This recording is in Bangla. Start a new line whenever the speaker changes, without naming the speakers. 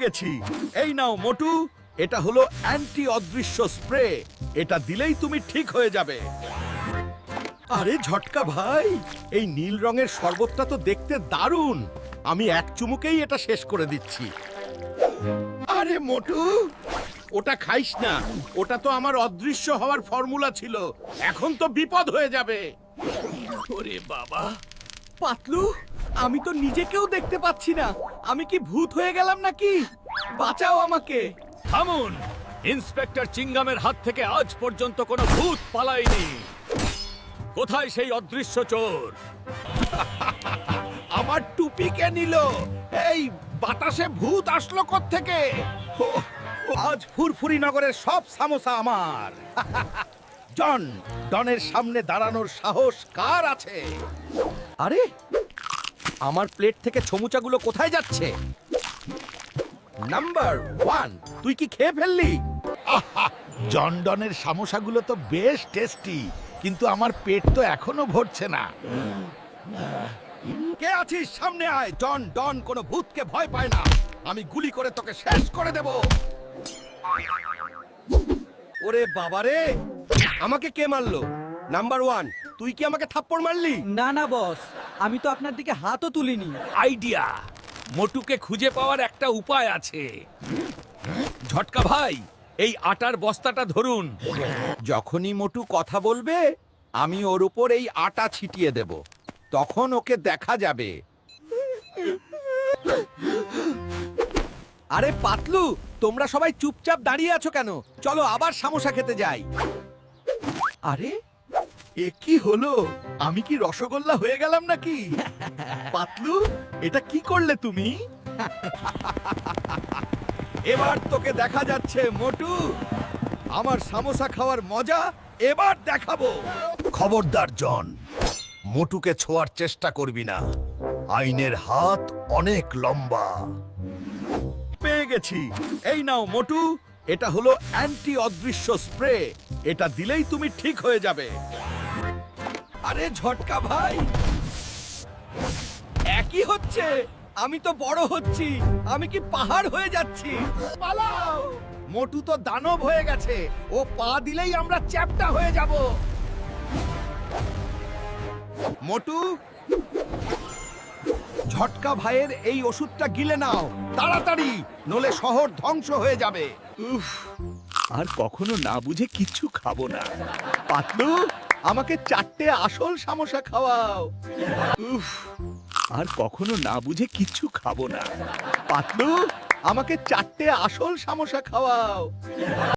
গেছি। এই নাও মোটু, এটা হলো অ্যান্টি অদৃশ্য স্প্রে। এটা দিলেই তুমি ঠিক হয়ে যাবে। আরে ঝটকা ভাই, এই নীল রঙের শরবতটা তো দেখতে দারুণ। আমি এক চুমুকেই এটা শেষ করে দিচ্ছি। আরে মোটু, ওটা খাইস না। ওটা তো আমার অদৃশ্য হওয়ার ফর্মুলা ছিল। এখন তো বিপদ হয়ে যাবে। ওরে বাবা, পাতলু, আমি তো নিজেকেও দেখতে পাচ্ছি না। আমি কি ভূত হয়ে গেলাম নাকি? বাঁচাও আমাকে।
থামুন! ইন্সপেক্টর চিঙ্গামের হাত থেকে আজ পর্যন্ত কোনো ভূত পালায়নি। কোথায় সেই অদৃশ্য চোর?
আমার টুপি কে নিল? এই বাতাসে ভূত আসলো কোত্থেকে? আজ ফুরফুরি নগরের সব সামোসা আমার। জন, ডনের সামনে দাঁড়ানোর সাহস কার আছে? আরে, আমার প্লেট থেকে ছমুচাগুলো কোথায় যাচ্ছে? নাম্বার 1, তুই কি খেয়ে ফেললি?
জন ডনের সামোসাগুলো তো বেশ টেস্টি, কিন্তু আমার পেট তো এখনো ভরছে না।
কে আছিস? সামনে আয়। জন ডন কোনো ভূতকে ভয় পায় না। আমি গুলি করে তোকে শেষ করে দেব। ওরে বাবারে, আমাকে কে মারলো? নাম্বার 1, তুই কি আমাকে থাপ্পড় মারলি?
না না বস, আমি তো আপনার দিকে হাতও তুলিনি।
আইডিয়া! মোটুকে খুঁজে পাওয়ার একটা উপায় আছে। ঝটকা ভাই, এই আটার বস্তাটা ধরুন।
যখনই মোটু কথা বলবে, আমি ওর উপর এই আটা ছিটিয়ে দেব। তখন ওকে দেখা যাবে। আরে পাতলু, তোমরা সবাই চুপচাপ দাঁড়িয়ে আছো কেন? চলো আবার সামোসা খেতে যাই। আরে, এ কি হলো? আমি কি রসগোল্লা হয়ে গেলাম নাকি? পাতলু, এটা কি করলে তুমি? এবার তোকে দেখা যাচ্ছে মোটু। আমার সামোসা খাওয়ার মজা এবার দেখাবো।
খবরদার জন, মোটুকে ছোঁয়ার চেষ্টা করবি না। আইনের হাত অনেক লম্বা।
পেয়ে গেছি। এই নাও মোটু, এটা হলো অ্যান্টি অদৃশ্য স্প্রে। এটা দিলেই তুমি ঠিক হয়ে যাবে। আরে ঝটকা ভাই, একই হচ্ছে। আমি তো বড় হচ্ছি। আমি কি পাহাড় হয়ে যাচ্ছি? পালাও! মোটু তো দানব হয়ে গেছে। ও পা দিলেই আমরা চ্যাপ্টা হয়ে যাব। মোটু, ঝটকা ভাইয়ের এই ওষুধটা গিলে নাও তাড়াতাড়ি, নলে শহর ধ্বংস হয়ে যাবে। উফ, আর কখনো না বুঝে কিচ্ছু খাবো না। পাতলু, আমাকে 4টে আসল সামোসা খাওয়াও। উফ, আর কখনো না বুঝে কিচ্ছু খাবো না। পাতলু, আমাকে 4টে আসল সামোসা খাওয়াও।